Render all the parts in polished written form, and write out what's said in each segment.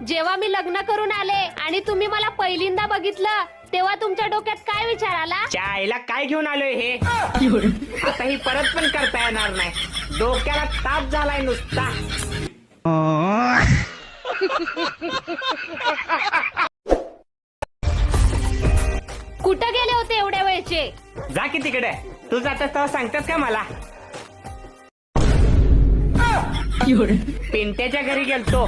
जेव्हा मी लग्न करून आले आणि तुम्ही मला पहिल्यांदा बघितलं तेव्हा तुमच्या डोक्यात काय विचार आला? चायला काय घेऊन आलोय हे? आता ही परत पण करता येणार नाही. डोक्याला ताप झालाय नुसता. कुठं गेले होते एवढ्या वेळचे? जा की तिकडे. तू जातात तेव्हा सांगतात का मला? पिंट्याच्या घरी गेलतो.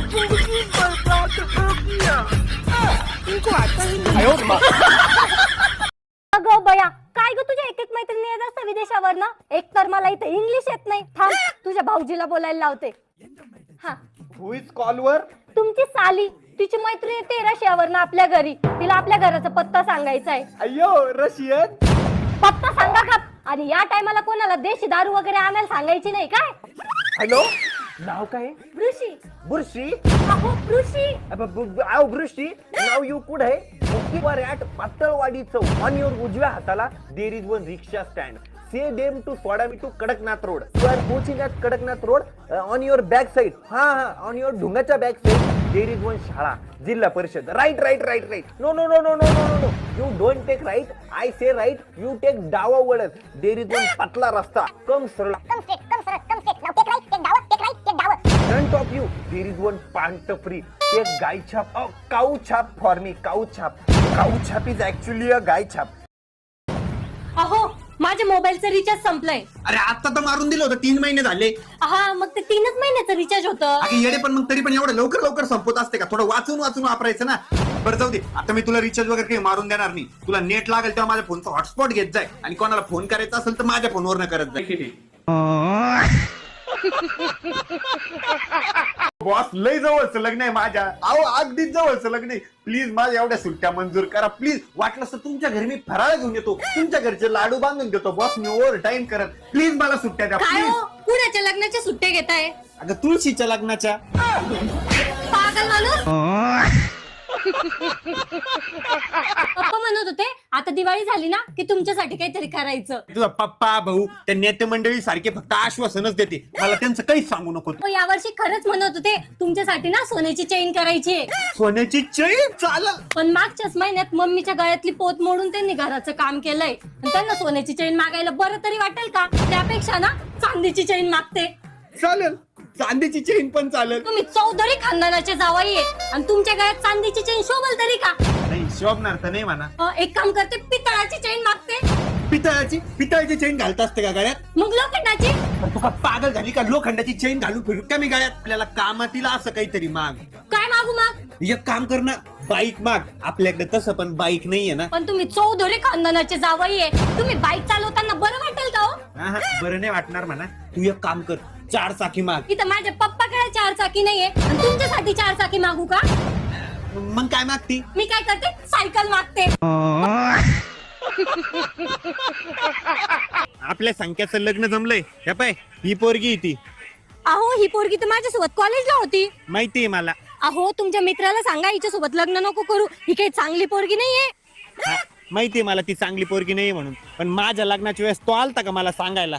अगं बया, काय ग तुझ्या एक मैत्रिणी येत असतं विदेशावर ना? एक तर मला इथे इंग्लिश येत नाही. थांब, तुझ्या भाऊजीला बोलायला लावते. हा, हु इज कॉलवर? तुमची साली, तिची मैत्रीण येते रशियावर ना आपल्या घरी. तिला आपल्या घराचा पत्ता सांगायचा आहे. अय्यो, रशियन. पत्ता सांगा का? आणि या टायमाला कोणाला देशी दारू वगैरे आणायला सांगायची नाही काय? हॅलो, नाव काय? ऋषी. बुरशी. अहो ऋषी. आव बुरशी. नाव यू कुड है? वर at Pataalwadi chowk. On your उजव्या हाताला there is one rickshaw stand. Say them to सोडा मी to Kadaknath road. You are पोचिंग at Kadaknath road. On your back side. हा, ऑन युअर ढुंगाच्या back side there is one shala, Zilla Parishad. Right right right right. No no no no no no no. You don't take right. I say right. You take डावा वळण. There is one पतला रस्ता. Come सरळ. Front of you there is one पांट free. एक गाय छाप. काऊ छाप फॉर मी. काऊ छाप. काऊ छाप इज ऍक्च्युअली अ गाय छाप. अहो, माझ्या मोबाईलचं रिचार्ज संपलंय. अरे आता तर मारून दिलं होतं, 3 महिने झाले. हा, मग ते 3च महिन्याचं रिचार्ज होतं. अगे येडे, पण मग तरी पण एवढं लवकर लवकर संपत असते का? थोडं वाचून वाचून वापरायचं ना. बरं जाऊ दे, आता मी तुला रिचार्ज वगैरे काही मारून देणार नाही. तुला नेट लागेल तेव्हा माझ्या फोनचा हॉटस्पॉट घेत जाय, आणि कोणाला फोन करायचा असेल तर माझ्या फोनवर करत जाय. बॉस, लय जवळचं लग्न आहे माझ्या. अहो, अगदीच जवळचं लग्न आहे. प्लीज माझ्या एवढ्या सुट्ट्या मंजूर करा प्लीज. वाटलं तर तुमच्या घरी मी फराळ घेऊन येतो, तुमच्या घरचे लाडू बांधून देतो. बॉस, मी ओव्हर टाइम करत. प्लीज मला सुट्ट्या द्या काय प्लीज. हो, कुणाच्या लग्नाच्या सुट्ट्या घेताय? अगं तुळशीच्या लग्नाच्या. पागल माणूस. पप्पा म्हणत होते आता दिवाळी झाली ना की तुमच्यासाठी काहीतरी करायचं. तुझा पप्पा भाऊ त्या नेते मंडळी सारखे फक्त आश्वासनच देते, मला त्यांचं काहीच सांगू नको. हो, यावर्षी खरंच म्हणत होते तुमच्यासाठी ना सोन्याची चेन करायची आहे. सोन्याची चैन चालेल. पण मागच्याच महिन्यात मम्मीच्या गळ्यातली पोत मोडून त्यांनी घराचं काम केलंय. आणि त्यांना सोन्याची चेन मागायला बरं तरी वाटेल का? त्यापेक्षा ना चांदीची चेन मागते. चालेल, चांदीची चेन पण चालेल. तुम्ही चौधरी खानदानाचे जावई आहे आणि तुमच्या गळ्यात चांदीची चेन शोभल तरी का? नाही, शोभणार तर नाही म्हणा. एक काम करते, पितळाची चेन मागते. पितळाची चेन घालत असते का गळ्यात? मग लोखंडाची. तू का पागल झाली का? लोखंडाची चेन घालून फिरू का मी गळ्यात? आपल्याला कामातील असं काहीतरी माग. काय मागू मग? एक काम कर ना, बाईक माग. आपल्याकडे तसं पण बाईक नाहीये ना. पण तुम्ही चौधरी खानदानाचे जावई आहे, तुम्ही बाईक चालवताना बरं वाटेल का हो? बरं नाही वाटणार म्हणा. तू एक काम कर, 4 चाकी माग. इथं माझ्या पप्पाकडे 4 चाकी नाहीये आणि तुमच्यासाठी 4 चाकी मागू का? मग काय मागती? मी काय करते, सायकल मागते. आपल्या संख्याचं लग्न जमलंय. हे पाय, ही पोरगी ती. अहो, ही पोरगी तर माझ्यासोबत कॉलेजला होती. माहितीये मला. अहो, तुमच्या मित्राला सांगा हिच्यासोबत लग्न नको करू, ही काही चांगली पोरगी नाहीये. माहितीये मला ती चांगली पोरगी नाहीये म्हणून, पण माझ्या लग्नाच्या वेळेस तो आलता का मला सांगायला?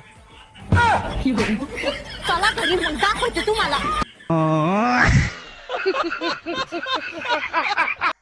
चला घरी, मग दाखवते तुम्हाला.